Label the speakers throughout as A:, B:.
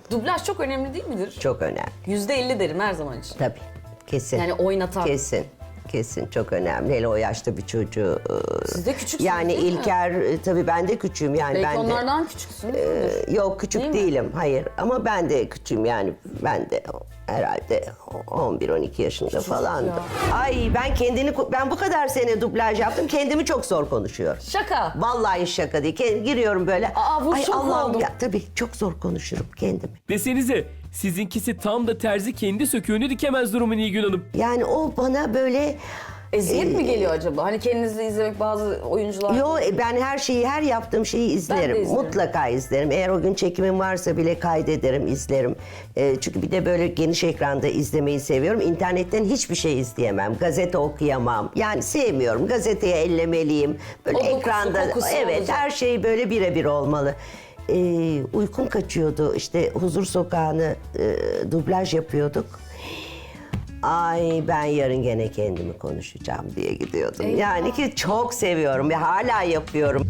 A: Dublaj çok önemli değil midir?
B: Çok önemli.
A: %50 derim her zaman için.
B: Tabii. Kesin.
A: Yani oynatan.
B: Kesin çok önemli. Hele o yaşta bir çocuğu.
A: Siz de küçüksünüz
B: Yani
A: değil mi?
B: İlker tabii ben de küçüğüm yani
A: Belki
B: ben de.
A: onlardan küçüksünüz.
B: Yok küçük
A: Değil mi?
B: değilim hayır ama ben de küçüğüm yani ben de herhalde 11-12 yaşında falandım. Ay ben bu kadar sene dublaj yaptım kendimi çok zor konuşuyorum.
A: Şaka.
B: Vallahi şaka değil. Giriyorum böyle.
A: Bu
B: Ay
A: şok
B: Allah'ım
A: oldum.
B: ya tabii çok zor konuşurum kendimi.
C: Desenize sizinkisi tam da terzi kendi söküğünü dikemez durumu Nilgün Hanım.
B: Yani o bana böyle
A: Eziyet mi geliyor acaba? Hani kendinizi izlemek bazı oyuncular...
B: ben her yaptığım şeyi izlerim.
A: izlerim.
B: Mutlaka izlerim. Eğer o gün çekimim varsa bile kaydederim, izlerim. Çünkü bir de böyle geniş ekranda izlemeyi seviyorum. İnternetten hiçbir şey izleyemem. Gazete okuyamam. Yani sevmiyorum. Gazeteyi ellemeliyim. Böyle
A: O dokusu,
B: ekranda
A: kokusu
B: evet
A: olacak.
B: her şey böyle birebir olmalı. Uykum kaçıyordu. İşte Huzur Sokağı'nı dublaj yapıyorduk. Ay ben yarın gene kendimi konuşacağım diye gidiyordum.
A: Eyvah.
B: Yani ki çok seviyorum ve hala yapıyorum.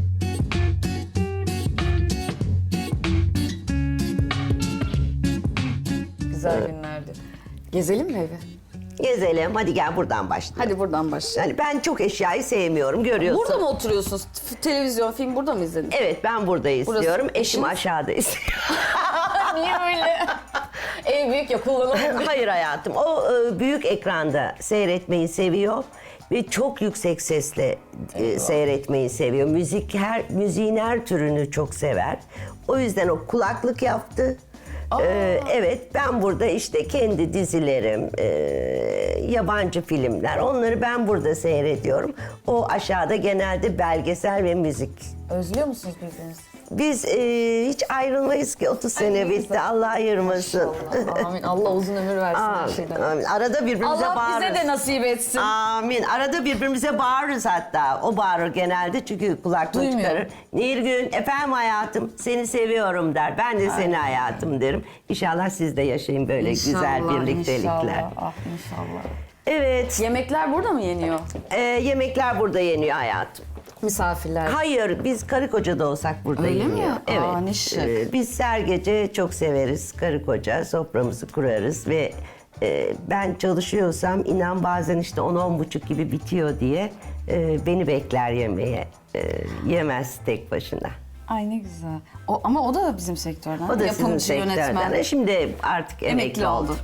A: Güzel günlerdi. Gezelim mi evi?
B: Gezelim hadi gel buradan başlayalım.
A: Hadi buradan başlayalım.
B: Yani ben çok eşyayı sevmiyorum görüyorsun.
A: Burada mı oturuyorsunuz? Televizyon, film burada mı izlediniz?
B: Evet ben burada istiyorum. Eşim
A: eşiniz?
B: aşağıda istiyor.
A: Niye öyle? Ev büyük ya kullanalım.
B: Hayır hayatım o büyük ekranda seyretmeyi seviyor. Ve çok yüksek sesle seyretmeyi seviyor. Müziğin her türünü çok sever. O yüzden o kulaklık yaptı. Evet ben burada işte kendi dizilerim, yabancı filmler onları ben burada seyrediyorum. O aşağıda genelde belgesel ve müzik.
A: Özlüyor musunuz birbirinizi?
B: Biz hiç ayrılmayız ki 30 sene bitti Allah ayırmasın.
A: Allah, amin. Allah uzun ömür versin her şeyden.
B: Amin. Arada birbirimize
A: Allah
B: bağırırız.
A: bize de nasip etsin.
B: Amin. Arada birbirimize bağırırız hatta. O bağırır genelde çünkü kulaklığı
A: Duymuyor.
B: çıkarır. Nilgün, efendim hayatım, seni seviyorum der. Ben de seni hayatım derim. İnşallah siz de yaşayın böyle güzel birliktelikler.
A: İnşallah. Ah inşallah.
B: Evet,
A: Yemekler burada mı yeniyor?
B: yemekler burada yeniyor hayatım.
A: Misafirler.
B: Hayır, biz karı koca da olsak burada
A: Öyle mi?
B: yeniyor. Evet.
A: Aa, ne şık.
B: Biz her gece çok severiz karı koca, soframızı kurarız ve ben çalışıyorsam inan bazen işte 10-10.30 gibi bitiyor diye beni bekler yemeğe. Yemez tek başına.
A: Ay ne güzel. Ama o da bizim sektörden.
B: O da
A: Yapımcı,
B: sizin sektörden.
A: yönetmen.
B: Şimdi artık emekli oldu.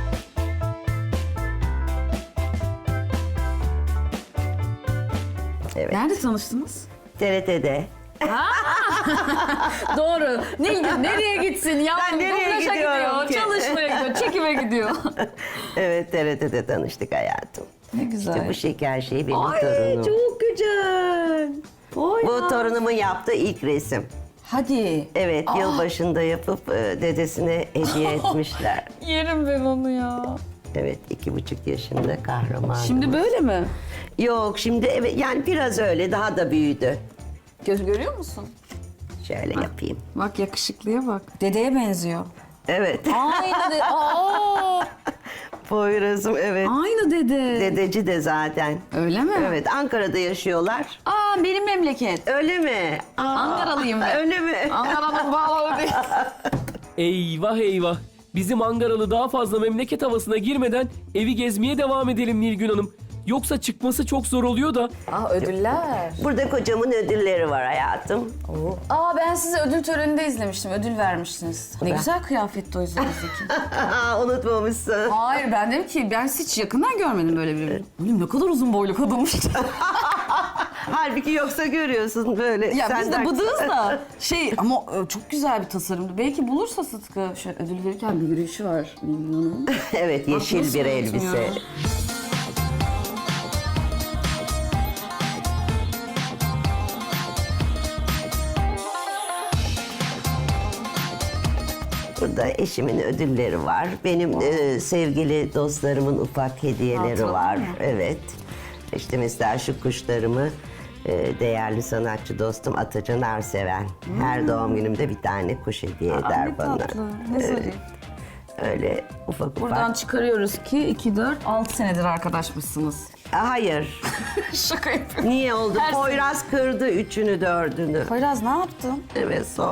B: Evet.
A: Nerede tanıştınız?
B: TRT'de.
A: Doğru. Nereye gitsin ya?
B: Ben nereye
A: Dublaja
B: gidiyorum
A: gidiyor,
B: ki?
A: çalışmaya gidiyor, çekime gidiyor.
B: Evet TRT'de tanıştık hayatım.
A: Ne güzel.
B: İşte bu şeker şey benim
A: Ay
B: torunum.
A: çok güzel. Oy
B: Bu
A: ya.
B: torunumun yaptığı ilk resim.
A: Hadi.
B: Evet yılbaşında yapıp dedesine hediye etmişler.
A: Yerim ben onu ya.
B: Evet 2,5 yaşında kahraman.
A: Şimdi böyle mi?
B: Yok şimdi evet yani biraz öyle daha da büyüdü.
A: Görüyor musun?
B: Şöyle yapayım.
A: Bak yakışıklıya bak. Dedeye benziyor.
B: Evet.
A: Aynı dede. Aa,
B: Poyraz'ım evet.
A: aynı dede.
B: Dedeci de zaten.
A: Öyle mi?
B: Evet Ankara'da yaşıyorlar.
A: Aa benim memleket.
B: Öyle mi? Aa,
A: Ankaralıyım ben.
B: Öyle mi?
A: Ankara'nın bağları değil.
C: Eyvah eyvah. Bizim Ankaralı daha fazla memleket havasına girmeden evi gezmeye devam edelim Nilgün Hanım. Yoksa çıkması çok zor oluyor da.
A: Ödüller.
B: Burada kocamın ödülleri var hayatım.
A: Ben sizi ödül töreninde izlemiştim. Ödül vermiştiniz. Ne güzel kıyafetti o üzerinizdeki.
B: Unutmamışsın.
A: Hayır ben dedim ki ben hiç yakından görmedim böyle bir. Oğlum ne kadar uzun boylu kadınmış.
B: Halbuki yoksa görüyorsun böyle.
A: Ya biz de
B: senden-
A: bıdığız da ama çok güzel bir tasarımdı. Belki bulursa Sıtkı şöyle ödül verirken bir yürüyüşü var Nilgün Hanım.
B: Evet yeşil
A: nasıl
B: bir elbise.
A: unutmuyorum.
B: Burada eşimin ödülleri var. Benim sevgili dostlarımın ufak hediyeleri
A: Hatıralar
B: var.
A: mı?
B: Evet. İşte mesela şu kuşlarımı değerli sanatçı dostum Atacan Arseven. Her doğum günümde bir tane kuş hediye eder
A: ne
B: bana.
A: tatlı, ne zarif.
B: Öyle ufak ufak.
A: Buradan çıkarıyoruz ki 2, 4, 6 senedir arkadaşmışsınız.
B: Hayır.
A: Şaka yapıyorum.
B: Niye oldu?
A: Her
B: Poyraz kırdı üçünü dördünü.
A: Poyraz ne yaptın?
B: Evet sorma.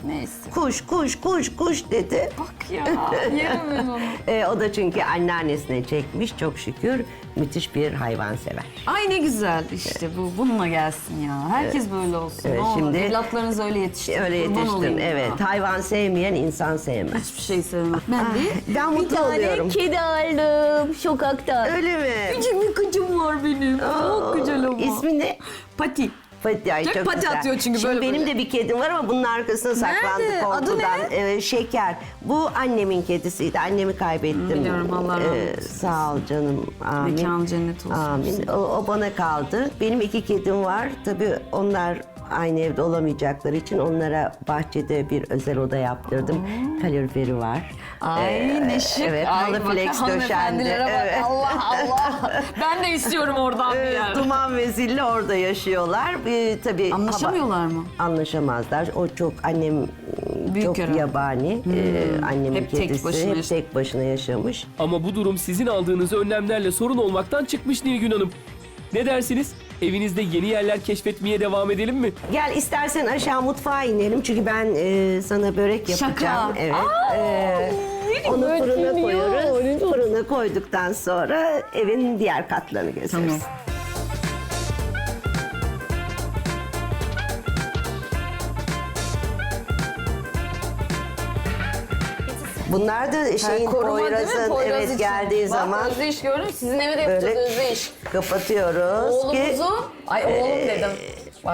A: Neyse.
B: Kuş dedi.
A: Bak ya, yerim ben onu.
B: O da çünkü anneannesine çekmiş çok şükür. Müthiş bir hayvansever.
A: Ay ne güzel işte bununla gelsin ya. Herkes böyle olsun.
B: Evet,
A: ne olur.
B: şimdi-
A: Evlatlarınızı öyle yetiştirin.
B: Öyle
A: Kurban
B: yetiştim,
A: olayım
B: evet.
A: ya.
B: Hayvan sevmeyen insan sevmez.
A: Hiçbir şey sevmem. Ben de
B: Ben
D: Bir
B: mutlu
D: tane
B: oluyorum.
D: kedi aldım sokakta.
B: Öyle mi?
A: küçük bir kıcım var benim. Çok güzel ama.
B: İsmi ne?
A: Pati.
B: Pati, ay,
A: Çok
B: çok
A: pati
B: güzel.
A: atıyor çünkü
B: Şimdi
A: böyle
B: benim
A: böyle.
B: de bir kedim var ama bunun arkasına saklandı
A: Nerede? Adı
B: korkudan. Şeker. Bu annemin kedisiydi. Annemi kaybettim.
A: Biliyorum, Allah rahmet eylesin.
B: Sağ ol canım. Amin.
A: Mekanı cennet olsun.
B: Amin. O bana kaldı. Benim 2 kedim var. Tabii onlar aynı evde olamayacakları için onlara bahçede bir özel oda yaptırdım. Kaloriferi var.
A: Ay ne şık.
B: Evet,
A: Ay,
B: halı
A: bak,
B: flex döşendi.
A: hanımefendilere bak.
B: Evet.
A: Allah Allah. Ben de istiyorum oradan bir yer.
B: Duman ve Zilli orada yaşıyorlar. Tabii
A: Anlaşamıyorlar mı?
B: Anlaşamazlar. O çok annem
A: Büyük
B: çok
A: herhalde.
B: yabani. Annemin
A: Hep tek
B: kedisi
A: başına
B: hep
A: yaşa-
B: tek başına yaşamış.
C: Ama bu durum sizin aldığınız önlemlerle sorun olmaktan çıkmış Nilgün Hanım. Ne dersiniz? Evinizde yeni yerler keşfetmeye devam edelim mi?
B: Gel istersen aşağı mutfağa inelim çünkü ben sana börek yapacağım.
A: Şaka.
B: Evet. Onu fırına
D: bakayım
B: koyuyoruz.
D: ya.
B: Fırına koyduktan sonra evin diğer katlarını gezeriz.
A: Tamam.
B: Bunlar da şeyin Poyraz'ın evet geldiği zaman
D: Özdeyiş gördüm. Sizin eve de yapacağız
B: böyle
D: Özdeyiş.
B: kapatıyoruz ki
D: Oğlumuzu, ay oğlum dedim. Bak.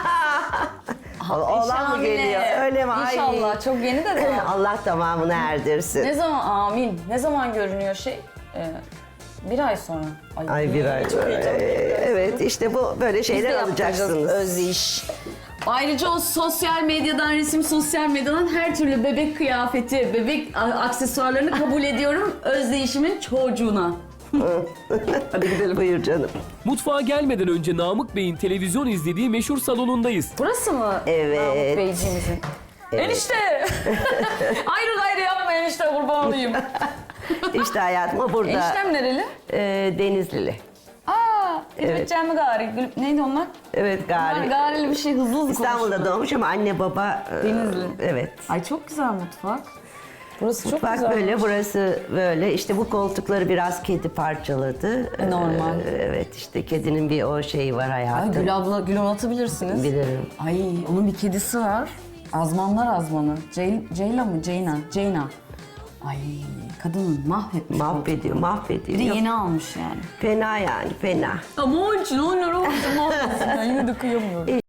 B: oğlan mı geliyor? Öyle mi? Ay.
D: İnşallah. Çok yeni de daha.
B: Allah tamamını erdirsin.
D: Ne zaman amin? Ne zaman görünüyor şey? Bir ay sonra.
B: Ay bir ay. Evet işte bu böyle şeyler alacaksınız.
D: Özdeyiş.
A: Ayrıca o sosyal medyadan, sosyal medyadan her türlü bebek kıyafeti, bebek aksesuarlarını kabul ediyorum Özdeyişimin çocuğuna. Hadi gidelim.
B: Buyur canım.
C: Mutfağa gelmeden önce Namık Bey'in televizyon izlediği meşhur salonundayız.
D: Burası mı?
B: Evet.
D: Namık Beyciğimizin. Enişte! ayrı gayrı yapma enişte kurban olayım.
B: İşte hayatım o burada.
D: Eniştem nereli?
B: Denizlili.
D: Aa, Gülübetçen mi gari?
A: Neydi onlar?
B: Evet
A: Onlar
B: gari.
A: garili bir şey hızlı
B: İstanbul'da doğmuş ama anne baba
A: Denizli.
B: Evet.
A: Ay çok güzel mutfak.
D: Burası çok
B: Bak
D: güzel.
B: böyle burası böyle işte bu koltukları biraz kedi parçaladı.
A: Normal.
B: Evet işte kedinin bir o şeyi var
A: Ay
B: hayatım.
A: Gül abla, Gül anlatabilirsiniz.
B: Bilirim.
A: Ay onun bir kedisi var. Azmanlar azmanı. Ceyla mı? Ceyna. Ay kadının mahvetmiş.
B: Mahvediyor,
A: Bir de
B: mahvediyor.
A: yeni almış yani.
B: Fena yani, fena.
A: Ama onun için onlar olmasın mahvetsin. Ben yine de kıyamıyorum.